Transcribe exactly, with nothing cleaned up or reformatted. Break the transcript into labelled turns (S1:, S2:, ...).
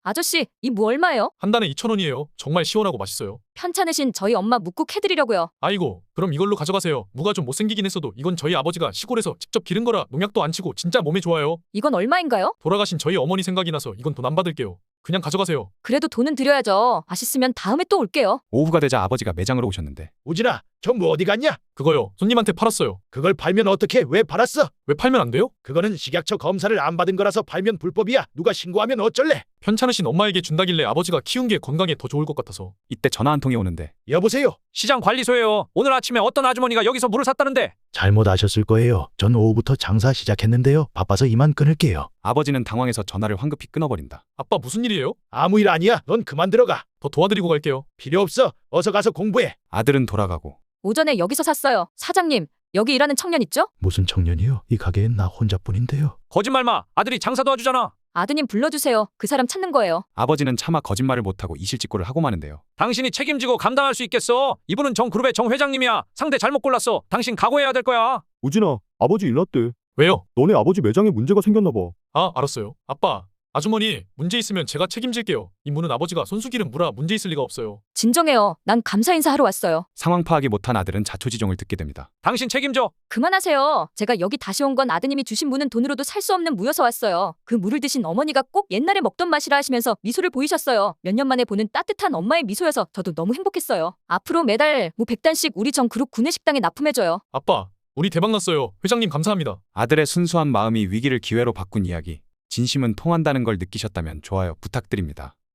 S1: 아저씨, 이 무 얼마예요?
S2: 한 단에 이천 원이에요. 정말 시원하고 맛있어요.
S1: 편찮으신 저희 엄마 묵국 해드리려고요.
S2: 아이고, 그럼 이걸로 가져가세요. 무가 좀 못생기긴 했어도 이건 저희 아버지가 시골에서 직접 기른 거라 농약도 안 치고 진짜 몸에 좋아요.
S1: 이건 얼마인가요?
S2: 돌아가신 저희 어머니 생각이 나서 이건 돈 안 받을게요. 그냥 가져가세요.
S1: 그래도 돈은 드려야죠. 맛있으면 다음에 또 올게요.
S3: 오후가 되자 아버지가 매장으로 오셨는데
S4: 우진아, 저 뭐 어디 갔냐?
S2: 그거요. 손님한테 팔았어요.
S4: 그걸 팔면 어떻게? 왜 팔았어?
S2: 왜 팔면 안 돼요?
S4: 그거는 식약처 검사를 안 받은 거라서 팔면 불법이야. 누가 신고하면 어쩔래?
S2: 편찮으신 엄마에게 준다길래 아버지가 키운 게 건강에 더 좋을 것 같아서.
S3: 이때 전화 한 통이 오는데
S4: 여보세요?
S5: 시장 관리소예요. 오늘 아침에 어떤 아주머니가 여기서 물을 샀다는데.
S4: 잘못 아셨을 거예요. 전 오후부터 장사 시작했는데요. 바빠서 이만 끊을게요.
S3: 아버지는 당황해서 전화를 황급히 끊어버린다.
S2: 아빠 무슨 일이에요?
S4: 아무 일 아니야. 넌 그만 들어가.
S2: 더 도와드리고 갈게요.
S4: 필요 없어. 어서 가서 공부해.
S3: 아들은 돌아가고
S1: 오전에 여기서 샀어요. 사장님, 여기 일하는 청년 있죠?
S4: 무슨 청년이요? 이 가게엔 나 혼자뿐인데요.
S5: 거짓말 마. 아들이 장사 도와주잖아.
S1: 아드님 불러주세요. 그 사람 찾는 거예요.
S3: 아버지는 차마 거짓말을 못하고 이실직고를 하고 마는데요.
S5: 당신이 책임지고 감당할 수 있겠어. 이분은 정그룹의 정 회장님이야. 상대 잘못 골랐어. 당신 각오해야 될 거야.
S6: 우진아, 아버지 일났대.
S2: 왜요?
S6: 너네 아버지 매장에 문제가 생겼나 봐.
S2: 아, 알았어요. 아빠, 아주머니 문제 있으면 제가 책임질게요. 이 무는 아버지가 손수 기른 무라 문제 있을 리가 없어요.
S1: 진정해요. 난 감사 인사하러 왔어요.
S3: 상황 파악이 못한 아들은 자초지종을 듣게 됩니다.
S5: 당신 책임져.
S1: 그만하세요. 제가 여기 다시 온 건 아드님이 주신 무는 돈으로도 살 수 없는 무여서 왔어요. 그 무를 드신 어머니가 꼭 옛날에 먹던 맛이라 하시면서 미소를 보이셨어요. 몇 년 만에 보는 따뜻한 엄마의 미소여서 저도 너무 행복했어요. 앞으로 매달 무 백 단씩 우리 정 그룹 구내식당에 납품해줘요.
S2: 아빠, 우리 대박 났어요. 회장님 감사합니다.
S3: 아들의 순수한 마음이 위기를 기회로 바꾼 이야기. 진심은 통한다는 걸 느끼셨다면 좋아요 부탁드립니다.